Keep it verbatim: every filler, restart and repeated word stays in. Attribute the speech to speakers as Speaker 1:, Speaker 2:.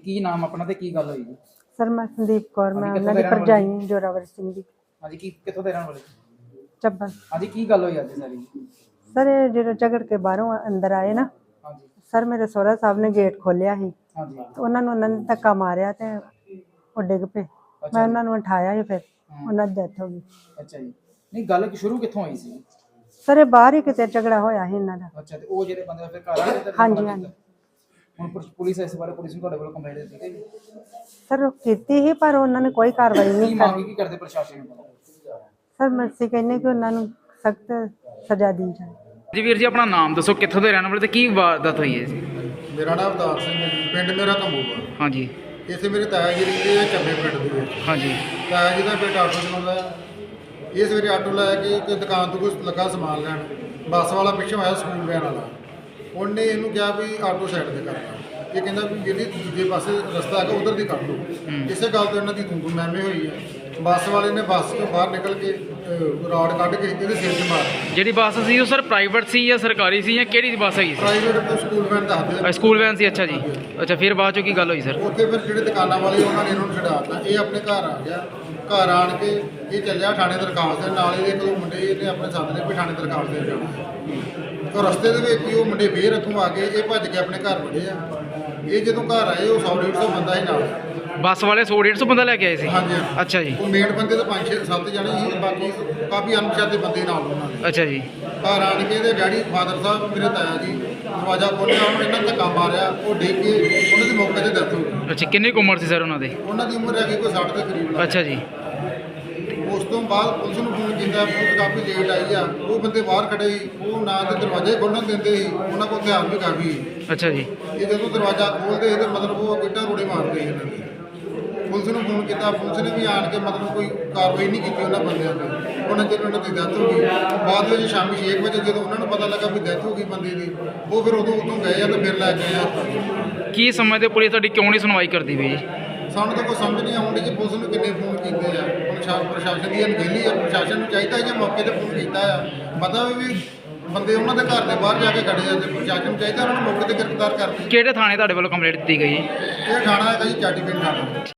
Speaker 1: ਕੀ ਨਾਮ ਆਪਣਾ ਤੇ ਕੀ ਗੱਲ ਹੋਈ ਜੀ?
Speaker 2: ਸਰ ਮੈਂ ਸੰਦੀਪ ਕੌਰ, ਮੈਂ
Speaker 1: ਹਾਂਜੀ,
Speaker 2: ਉਹਨਾਂ
Speaker 1: ਕਿੱਥੋਂ
Speaker 2: ਦੀ
Speaker 1: ਦੇ ਰਹਿਣ
Speaker 2: ਭਰਜਾਈ ਜੋਰਾਵਰ ਸਿੰਘ ਦੀ
Speaker 1: ਹਾਂਜੀ ਕੀ ਕਿੱਥੋਂ ਦੇ ਰਹਿਣ ਵਾਲੇ?
Speaker 2: ਚੱਬਲ।
Speaker 1: ਹਾਂਜੀ ਕੀ ਗੱਲ ਹੋਈ ਅੱਜ ਸਾਰੀ?
Speaker 2: ਸਰ ਇਹ ਜਦੋਂ ਝਗੜ ਕੇ ਬਾਹਰੋਂ ਅੰਦਰ ਆਏ ਨਾ,
Speaker 1: ਹਾਂਜੀ
Speaker 2: ਸਰ ਮੇਰੇ ਸਹੁਰਾ ਸਾਹਿਬ ਨੇ ਗੇਟ ਖੋਲ੍ਹਿਆ ਸੀ
Speaker 1: ਹਾਂਜੀ
Speaker 2: ਤੇ ਉਹਨਾਂ ਨੂੰ ਉਹਨਾਂ ਨੇ ਧੱਕਾ ਮਾਰਿਆ ਤੇ ਉਹ ਡਿੱਗ ਪਏ। ਮੈਂ ਉਹਨਾਂ ਨੂੰ ਉਠਾਇਆ ਸੀ, ਫਿਰ ਉਹਨਾਂ ਦੀ ਡੈਥ ਹੋ ਗਈ।
Speaker 1: ਅੱਛਾ ਜੀ। ਨਹੀਂ ਗੱਲ ਸ਼ੁਰੂ ਕਿੱਥੋਂ ਹੋਈ ਸੀ?
Speaker 2: ਸਰ ਇਹ ਬਾਹਰ ਹੀ ਕਿਤੇ ਝਗੜਾ ਹੋਇਆ ਸੀ ਇਹਨਾਂ ਦਾ।
Speaker 1: ਅੱਛਾ ਤੇ ਉਹ ਜਿਹੜੇ ਬੰਦੇ ਫਿਰ ਘਰ ਆ ਗਏ ਤੇ
Speaker 2: ਹਾਂਜੀ ਹਾਂਜੀ
Speaker 1: ਹੁਣ ਪੁਲਿਸ- ਪੁਲਿਸ ਇਸ ਬਾਰੇ ਪੁਲਿਸ ਨੂੰ ਤੁਹਾਡੇ ਕੋਲ ਕੰਪਲੇਂਟ ਦਿੱਤੀ ਗਈ?
Speaker 2: ਸਰ ਉਹ ਕੀਤੀ ਸੀ ਪਰ ਉਹਨਾਂ ਨੇ ਕੋਈ ਕਾਰਵਾਈ
Speaker 1: ਕੀ
Speaker 2: ਨਹੀਂ
Speaker 1: ਮੰਗ
Speaker 2: ਕਰੀ।
Speaker 1: ਕੀ ਕਰਦੇ ਪ੍ਰਸ਼ਾਸਨ ਨੂੰ?
Speaker 2: ਸਰ ਮੈਂ ਅਸੀਂ ਕਹਿੰਦੇ ਕਿ ਉਹਨਾਂ ਨੂੰ ਸਖਤ ਸਜ਼ਾ ਦੀ ਜਾਏ।
Speaker 1: ਜੀ ਵੀਰ ਜੀ ਆਪਣਾ ਨਾਮ ਦੱਸੋ, ਕਿੱਥੋਂ ਦੇ ਰਹਿਣ ਵਾਲੇ ਤੇ ਕੀ ਵਾਰਦਾਤ ਹੋਈ ਹੈ ਜੀ?
Speaker 3: ਮੇਰਾ ਨਾਮ ਅਵਤਾਰ ਸਿੰਘ ਹੈ ਜੀ, ਪਿੰਡ ਮੇਰਾ ਕੰਬੂਆ।
Speaker 1: ਹਾਂਜੀ
Speaker 3: ਇੱਥੇ ਮੇਰੇ ਤਾਇਆ ਜੀ ਰਹਿੰਦੇ ਆ ਚੱਬੇ ਪਿੰਡ ਦੇ ਵਿੱਚ।
Speaker 1: ਹਾਂਜੀ
Speaker 3: ਤਾਇਆ ਜੀ ਦਾ ਬੇਟਾ ਆਟੋ ਚਲਾਉਂਦਾ ਆ। ਇਹ ਸਵੇਰੇ ਆਟੋ ਲੈ ਕੇ ਇੱਕ ਦੁਕਾਨ ਤੋਂ ਕੁਝ ਲੱਗਾ ਸਮਾਨ ਲੈਣ, ਬੱਸ ਵਾਲਾ ਪਿੱਛੋਂ ਆਇਆ ਸਕੂਲ ਵੈਨ ਵਾਲਾ। ਉਹਨੇ ਇਹਨੂੰ ਕਿਹਾ ਵੀ ਆਟੋ ਸਾਈਡ ਤੇ ਕਰ ਲਾ। ਇਹ ਕਹਿੰਦਾ ਵੀ ਜਿਹੜੀ ਦੂਜੇ ਪਾਸੇ ਰਸਤਾ ਹੈਗਾ ਉਧਰ ਦੀ ਕੱਢ ਲਓ। ਇਸੇ ਗੱਲ ਤੋਂ ਇਹਨਾਂ ਦੀ ਗੁੰਗੂ ਮੈਮੇ ਹੋਈ ਹੈ। ਬੱਸ ਵਾਲੇ ਨੇ ਬੱਸ ਤੋਂ ਬਾਹਰ ਨਿਕਲ ਕੇ ਅਹ, ਰਾਡ ਕੱਢ ਕੇ ਇਹਦੇ ਸਿਰ 'ਚ ਮਾਰ।
Speaker 1: ਜਿਹੜੀ ਬੱਸ ਸੀ ਉਹ ਸਰ ਪ੍ਰਾਈਵੇਟ ਸੀ ਜਾਂ ਸਰਕਾਰੀ ਸੀ ਜਾਂ ਕਿਹੜੀ ਬੱਸ ਹੈਗੀ ਸੀ?
Speaker 3: ਪ੍ਰਾਈਵੇਟ ਤੋਂ ਸਕੂਲ ਵੈਨ ਦੱਸਦੇ ਆ।
Speaker 1: ਸਕੂਲ ਵੈਨ ਸੀ। ਅੱਛਾ ਜੀ। ਅੱਛਾ ਫਿਰ ਬਾਅਦ ਚੋਂ ਕੀ ਗੱਲ ਹੋਈ ਸਰ?
Speaker 3: ਉੱਥੇ ਫਿਰ ਜਿਹੜੇ ਦੁਕਾਨਾਂ ਵਾਲੇ ਉਹਨਾਂ ਨੇ ਇਹਨੂੰ ਛਡਾਤਾ। ਇਹ ਆਪਣੇ ਘਰ ਆ ਗਿਆ। ਘਰ ਆਣ ਕੇ ਇਹ ਚੱਲਿਆ ਥਾਣੇ ਦਰਖਾਸਤ ਦੇਣ। ਨਾਲ ਇਹਦੇ ਇੱਕ ਦੋ ਮੁੰਡੇ ਇਹਨੇ ਆਪਣੇ ਸਾਥ ਨੇ ਵੀ ਥਾਣੇ ਦਰਖਾਸਤ ਦੇਣ ਜਾਣਾ। ਤਾਂ ਰਸਤੇ ਦੇ ਵਿੱਚ ਹੀ ਉਹ ਮੁੰਡੇ ਫੇਰ ਇੱਥੋਂ ਆ ਗਏ। ਇਹ ਭੱਜ ਕੇ ਆਪਣੇ ਘਰ ਵੜੇ ਆ। ਇਹ ਜਦੋਂ ਘਰ ਆਏ ਉਹ ਸੌ ਡੇਢ ਸੌ ਬੰਦਾ ਹੀ ਨਾਲ।
Speaker 1: ਬੱਸ ਵਾਲੇ ਸੌ ਡੇਢ ਸੌ ਬੰਦਾ ਲੈ ਕੇ ਆਏ ਸੀ?
Speaker 3: ਹਾਂਜੀ
Speaker 1: ਅੱਛਾ ਜੀ।
Speaker 3: ਉਹ ਮੇਨ ਬੰਦੇ ਤਾਂ ਪੰਜ ਛੇ ਸੱਤ ਜਣੇ ਸੀ, ਬਾਕੀ ਕਾਫੀ ਅਣਪਛਾਤੇ ਬੰਦੇ ਨਾਲ ਉਹਨਾਂ ਦੇ।
Speaker 1: ਅੱਛਾ ਜੀ।
Speaker 3: ਘਰ ਆਣ ਕੇ ਇਹਦੇ ਡੈਡੀ ਫਾਦਰ ਸਾਹਿਬ ਮੇਰੇ ਤਾਇਆ ਜੀ ਦਰਵਾਜ਼ਾ ਖੋਲ੍ਹਿਆ, ਉਹਨੂੰ ਇਹਨਾਂ ਨੇ ਧੱਕਾ ਮਾਰਿਆ। ਉਹ ਡਿੱਗ ਕੇ ਉਹਨਾਂ ਦੀ ਮੌਕੇ 'ਤੇ ਡੈਥ ਹੋ ਗਈ।
Speaker 1: ਅੱਛਾ ਕਿੰਨੀ ਕੁ ਉਮਰ ਸੀ ਸਰ ਉਹਨਾਂ ਦੀ?
Speaker 3: ਉਹਨਾਂ ਦੀ ਉਮਰ ਹੈਗੀ ਕੋਈ ਸੱਠ ਦੇ ਕਰੀਬ ਲੱਗ।
Speaker 1: ਅੱਛਾ ਜੀ।
Speaker 3: ਉਸ ਤੋਂ ਬਾਅਦ ਪੁਲਿਸ ਨੂੰ ਫੋਨ ਕੀਤਾ, ਪੁਲਿਸ ਕਾਫੀ ਲੇਟ ਆਈ ਆ। ਉਹ ਬੰਦੇ ਬਾਹਰ ਖੜੇ ਸੀ, ਉਹ ਨਾ ਤੇ ਦਰਵਾਜ਼ੇ ਖੋਲ੍ਹਣ ਦਿੰਦੇ ਸੀ, ਉਹਨਾਂ ਕੋਲ ਹਥਿਆਰ ਵੀ ਕਾਫੀ ਸੀ।
Speaker 1: ਅੱਛਾ ਜੀ।
Speaker 3: ਇਹ ਜਦੋਂ ਦਰਵਾਜ਼ਾ ਖੋਲ੍ਹਦੇ ਸੀ ਤੇ ਮਤਲਬ ਉਹ ਇੱਟਾਂ ਰੋੜੇ ਮਾਰਦੇ ਸੀ ਇਹਨਾਂ ਦੇ। ਪੁਲਿਸ ਨੂੰ ਫੋਨ ਕੀਤਾ, ਪੁਲਿਸ ਨੇ ਵੀ ਆਣ ਕੇ ਮਤਲਬ ਕੋਈ ਕਾਰਵਾਈ ਨਹੀਂ ਕੀਤੀ ਉਹਨਾਂ ਬੰਦਿਆਂ ਤੇ। ਉਹਨਾਂ ਚਿਰ ਉਹਨਾਂ ਦੀ ਡੈਥ ਹੋ ਗਈ। ਬਾਅਦ ਵਿੱਚ ਸ਼ਾਮੀ ਛੇ ਵਜੇ ਜਦੋਂ ਉਹਨਾਂ ਨੂੰ ਪਤਾ ਲੱਗਾ ਵੀ ਡੈਥ ਹੋ ਗਈ ਬੰਦੇ ਦੀ, ਉਹ ਫਿਰ ਉਦੋਂ ਉਦੋਂ ਗਏ ਆ ਤੇ ਫਿਰ ਲੈ ਕੇ ਆਏ।
Speaker 1: ਕੀ ਸਮਝਦੇ ਪੁਲਿਸ ਤੁਹਾਡੀ ਕਿਉਂ ਨਹੀਂ ਸੁਣਵਾਈ ਕਰਦੀ ਪਈ ਜੀ?
Speaker 3: ਸਾਨੂੰ ਤਾਂ ਕੋਈ ਸਮਝ ਨਹੀਂ ਆਉਂਦੀ ਕਿ ਪੁਲਿਸ ਨੂੰ ਕਿੰਨੇ ਫੋਨ ਕੀਤੇ ਆ। ਹੁਣ ਸ਼ਾ ਪ੍ਰਸ਼ਾਸਨ ਦੀ ਅਣਗਹਿਲੀ ਆ। ਪ੍ਰਸ਼ਾਸਨ ਨੂੰ ਚਾਹੀਦਾ ਜੇ ਮੌਕੇ ਤੇ ਫੋਨ ਕੀਤਾ ਆ, ਪਤਾ ਵੀ ਬੰਦੇ ਉਹਨਾਂ ਦੇ ਘਰ ਦੇ ਬਾਹਰ ਜਾ ਕੇ ਖੜੇ ਆ, ਤੇ ਪ੍ਰਸ਼ਾਸਨ ਨੂੰ ਚਾਹੀਦਾ ਉਹਨਾਂ ਨੂੰ ਮੌਕੇ ਤੇ ਗ੍ਰਿਫਤਾਰ ਕਰ।
Speaker 1: ਕਿਹੜੇ ਥਾਣੇ ਤੁਹਾਡੇ ਵੱਲੋਂ ਕੰਪਲੇਂਟ ਦਿੱਤੀ ਗਈ?
Speaker 3: ਇਹ ਥਾਣਾ ਹੈਗਾ ਜੀ ਚਾਟੀ ਪਿੰਡ ਥਾਣਾ।